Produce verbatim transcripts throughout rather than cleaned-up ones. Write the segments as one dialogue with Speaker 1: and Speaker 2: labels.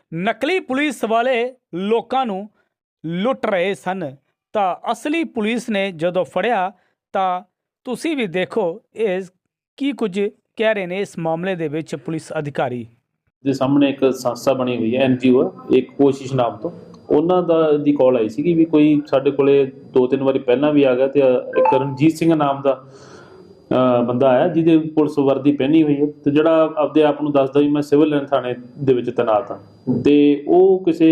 Speaker 1: ਨਕਲੀ ਪੁਲਿਸ ਵਾਲੇ ਲੋਕਾਂ ਨੂੰ ਲੁੱਟ ਰਹੇ ਸਨ ਤਾਂ ਅਸਲੀ ਪੁਲਿਸ ਨੇ ਜਦੋਂ ਫੜਿਆ ਤਾਂ ਤੁਸੀਂ ਵੀ ਦੇਖੋ ਇਹ ਕੀ ਕੁਝ ਕਹਿ ਰਹੇ ਨੇ ਇਸ ਮਾਮਲੇ ਦੇ ਵਿੱਚ ਪੁਲਿਸ ਅਧਿਕਾਰੀ
Speaker 2: ਦੇ ਸਾਹਮਣੇ ਇੱਕ ਸੰਸਥਾ ਬਣੀ ਹੋਈ ਹੈ ਐਨ ਜੀ ਓ ਇੱਕ ਕੋਸ਼ਿਸ਼ ਨਾਮ ਤੋਂ ਉਹਨਾਂ ਦਾ ਦੀ ਕਾਲ ਆਈ ਸੀਗੀ ਵੀ ਕੋਈ ਸਾਡੇ ਕੋਲੇ ਦੋ ਤਿੰਨ ਵਾਰੀ ਪਹਿਲਾਂ ਵੀ ਆ ਗਿਆ ਤੇ ਇੱਕ ਰਣਜੀਤ ਸਿੰਘ ਨਾਮ ਦਾ ਬੰਦਾ ਆਇਆ ਜਿਹਦੇ ਪੁਲਿਸ ਵਰਦੀ ਪਹਿਨੀ ਹੋਈ ਹੈ ਤੇ ਜਿਹੜਾ ਆਪਦੇ ਆਪ ਨੂੰ ਦੱਸਦਾ ਵੀ ਮੈਂ ਸਿਵਲ ਲਾਈਨ ਥਾਣੇ ਦੇ ਵਿੱਚ ਤੈਨਾਤ ਹਾਂ ਤੇ ਉਹ ਕਿਸੇ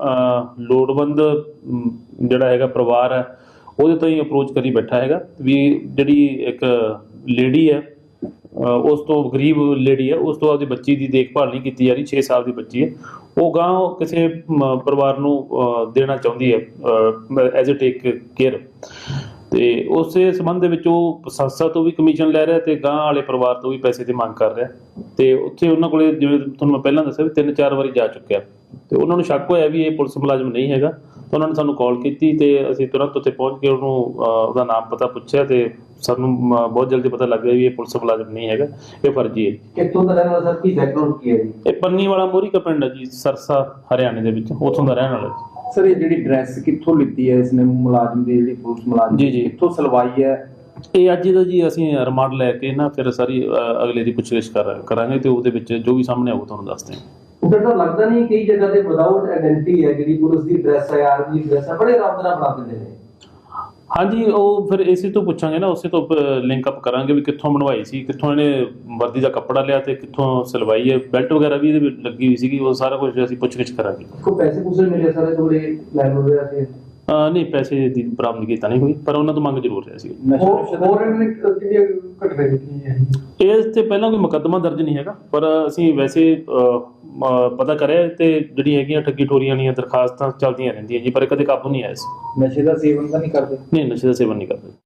Speaker 2: ਲੋੜਵੰਦ ਜਿਹੜਾ ਹੈਗਾ ਪਰਿਵਾਰ ਹੈ ਉਹਦੇ ਤੋਂ ਹੀ ਅਪਰੋਚ ਕਰੀ ਬੈਠਾ ਹੈਗਾ ਵੀ ਜਿਹੜੀ ਇੱਕ ਲੇਡੀ ਹੈ ਉਸ ਤੋਂ ਗਰੀਬ ਲੇਡੀ ਹੈ ਉਸ ਤੋਂ ਆਪਦੀ ਬੱਚੀ ਦੀ ਦੇਖਭਾਲ ਨਹੀਂ ਕੀਤੀ ਜਾ ਰਹੀ ਛੇ ਸਾਲ ਦੀ ਬੱਚੀ ਹੈ ਉਹ ਗਾਂ ਕਿਸੇ ਪਰਿਵਾਰ ਨੂੰ ਦੇਣਾ ਚਾਹੁੰਦੀ ਹੈ ਐਜ਼ ਅ ਟੇਕ ਕੇਅਰ ਤੇ ਉਸੇ ਸੰਬੰਧ ਦੇ ਵਿੱਚ ਉਹ ਸੰਸਥਾ ਤੋਂ ਵੀ ਕਮਿਸ਼ਨ ਲੈ ਰਿਹਾ ਤੇ ਗਾਂ ਵਾਲੇ ਪਰਿਵਾਰ ਤੋਂ ਵੀ ਪੈਸੇ ਦੀ ਮੰਗ ਕਰ ਰਿਹਾ ਤੇ ਉੱਥੇ ਉਹਨਾਂ ਕੋਲੇ ਜਿਵੇਂ ਤੁਹਾਨੂੰ ਮੈਂ ਪਹਿਲਾਂ ਦੱਸਿਆ ਵੀ ਤਿੰਨ ਚਾਰ ਵਾਰੀ ਜਾ ਚੁੱਕਿਆ ਤੇ ਉਹਨਾਂ ਨੂੰ ਸ਼ੱਕ ਹੋਇਆ ਵੀ ਇਹ ਪੁਲਿਸ ਮੁਲਾਜ਼ਮ ਨਹੀਂ ਹੈਗਾ ਤਾਂ ਉਹਨਾਂ ਨੇ ਸਾਨੂੰ ਕਾਲ ਕੀਤੀ ਤੇ ਅਸੀਂ ਤੁਰੰਤ ਉੱਥੇ ਪਹੁੰਚ ਕੇ ਉਹਨੂੰ ਉਹਦਾ ਨਾਮ ਪਤਾ ਪੁੱਛਿਆ ਤੇ ਸਾਨੂੰ ਬਹੁਤ ਜਲਦੀ ਪਤਾ ਲੱਗ ਗਿਆ ਵੀ ਇਹ ਪੁਲਿਸ ਮੁਲਾਜ਼ਮ ਨਹੀਂ ਹੈਗਾ ਇਹ ਫਰਜ਼ੀ ਹੈ।
Speaker 3: ਕਿੱਥੋਂ ਦਾ ਰਹਿਣ ਵਾਲਾ ਸਰ ਕੀ ਬੈਕਗ੍ਰਾਉਂਡ ਕੀ ਹੈ ਜੀ?
Speaker 2: ਇਹ ਪੰਨੀ ਵਾਲਾ ਮੋਰੀ ਕਾ ਪਿੰਡ ਹੈ ਜੀ ਸਰਸਾ ਹਰਿਆਣੇ ਦੇ ਵਿੱਚ ਉੱਥੋਂ ਦਾ ਰਹਿਣ ਵਾਲਾ ਜੀ।
Speaker 3: ਸਰ ਇਹ ਜਿਹੜੀ ਡਰੈਸ ਕਿੱਥੋਂ ਲਿੱਤੀ ਹੈ ਇਸਨੇ ਮੁਲਾਜ਼ਮ ਦੀ ਜਿਹੜੀ ਪੁਲਿਸ ਮੁਲਾਜ਼ਮ
Speaker 2: ਜੀ ਜੀ
Speaker 3: ਕਿੱਥੋਂ ਸਲਵਾਈ ਹੈ?
Speaker 2: ਇਹ ਅੱਜ ਦਾ ਜੀ ਅਸੀਂ ਰਿਮਾਂਡ ਲੈ ਕੇ ਨਾ ਫਿਰ ਸਾਰੀ ਅਗਲੇ ਦੀ ਪੁੱਛਗਿੱਛ ਕਰਾਂਗੇ ਤੇ ਉਹਦੇ ਵਿੱਚ ਜੋ ਵੀ ਸਾਹਮਣੇ ਆਊ ਤੁਹਾਨੂੰ ਦੱਸਦੇ ਹਾਂ।
Speaker 3: ਉਧਰ ਤਾਂ ਲੱਗਦਾ ਨਹੀਂ ਕਈ ਜਗ੍ਹਾ ਤੇ ਵਿਦਆਊਟ ਆਇਡੈਂਟੀ ਹੈ ਜਿਹੜੀ ਪੁਲਿਸ ਦੀ ਡਰੈਸ ਹੈ ਆਰਮੀ ਦੀ ਡਰੈਸ ਹੈ ਬੜੇ ਆਰਾਮ ਨਾਲ ਬਣਾ ਦਿੰਦੇ ਨੇ। ਹਾਂਜੀ
Speaker 2: ਉਹ ਫਿਰ ਇਸੇ ਤੋਂ ਪੁੱਛਾਂਗੇ ਨਾ ਉਸੇ ਤੋਂ ਲਿੰਕ ਅਪ ਕਰਾਂਗੇ ਵੀ ਕਿੱਥੋਂ ਬਣਵਾਈ ਸੀ ਕਿੱਥੋਂ ਇਹਨੇ ਵਰਦੀ ਦਾ ਕੱਪੜਾ ਲਿਆ ਤੇ ਕਿੱਥੋਂ ਸਿਲਵਾਈ ਹੈ ਬੈਲਟ ਵਗੈਰਾ ਵੀ ਇਹਦੇ ਵਿੱਚ ਲੱਗੀ ਹੋਈ ਸੀਗੀ ਉਹ ਸਾਰਾ ਕੁਝ ਅਸੀਂ ਪੁੱਛਗਿੱਛ ਕਰਾਂਗੇ।
Speaker 3: ਕੋਈ ਪੈਸੇ ਪੂਸੇ ਮਿਲੇ ਸਾਰੇ ਥੋੜੇ ਲੈਣ ਹੋ ਰਿਹਾ ਸੀ?
Speaker 2: ਨਹੀਂ ਪੈਸੇ ਦੀ ਬਰਾਮਦਗੀ ਤਾਂ ਨਹੀਂ ਹੋਈ ਪਰ ਉਹਨਾਂ ਤੋਂ ਮੰਗ ਜ਼ਰੂਰ ਰਿਹਾ ਸੀ।
Speaker 3: ਹੋਰ ਇਹਨੇ ਕਿਹੜੀਆਂ ਘਟਨਾ ਕੀਤੀਆਂ
Speaker 2: ਇਸ ਤੇ ਪਹਿਲਾਂ ਕੋਈ ਮੁਕੱਦਮਾ ਦਰਜ ਨਹੀਂ ਹੈਗਾ ਪਰ ਅਸੀਂ ਵੈਸੇ ਪਤਾ ਕਰਿਆ ਤੇ ਜਿਹੜੀ ਹੈਗੀਆਂ ਠੱਗੀ ਠੋਰੀਆਂ ਦੀਆਂ ਦਰਖਾਸਤਾਂ ਚੱਲਦੀਆਂ ਰਹਿੰਦੀਆਂ ਜੀ ਪਰ ਕਦੇ ਕਾਬੂ ਨਹੀਂ ਆਇਆ ਸੀ।
Speaker 3: ਨਸ਼ੇ ਦਾ ਸੇਵਨ ਤਾਂ ਨਹੀਂ ਕਰਦੇ?
Speaker 2: ਨਹੀਂ ਨਸ਼ੇ ਦਾ ਸੇਵਨ ਨਹੀਂ ਕਰਦੇ।